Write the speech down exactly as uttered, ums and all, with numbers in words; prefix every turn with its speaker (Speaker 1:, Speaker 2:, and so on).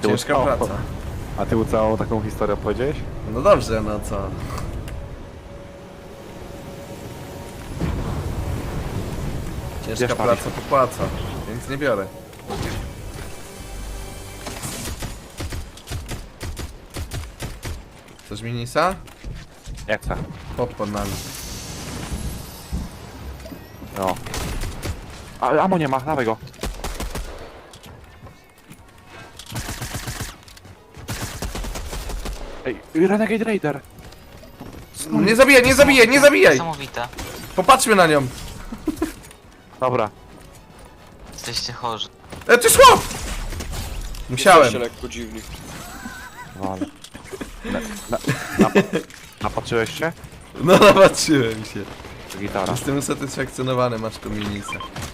Speaker 1: tyłu
Speaker 2: Ciężka
Speaker 1: całą,
Speaker 2: praca.
Speaker 1: a ty całą taką historię opowiedziałeś?
Speaker 2: No dobrze, no co? Ciężka
Speaker 1: Bierz
Speaker 2: praca popłaca, więc nie biorę. Chcesz minisa?
Speaker 1: Nie chcę.
Speaker 2: Pop pod nami.
Speaker 1: No. A amo nie ma, dawaj go. Ej, Renegade Raider.
Speaker 2: Nie zabijaj, nie zabijaj, nie zabijaj!
Speaker 3: Niesamowite.
Speaker 2: Popatrzmy na nią.
Speaker 1: Dobra.
Speaker 3: Jesteście chorzy.
Speaker 2: E, ty chłop! Musiałem.
Speaker 4: Jesteście lekko dziwni.
Speaker 1: Wale. Na, na, na, napatrzyłeś się?
Speaker 2: No napatrzyłem się.
Speaker 1: Gitara.
Speaker 2: Jestem usatysfakcjonowany, masz tu minisa.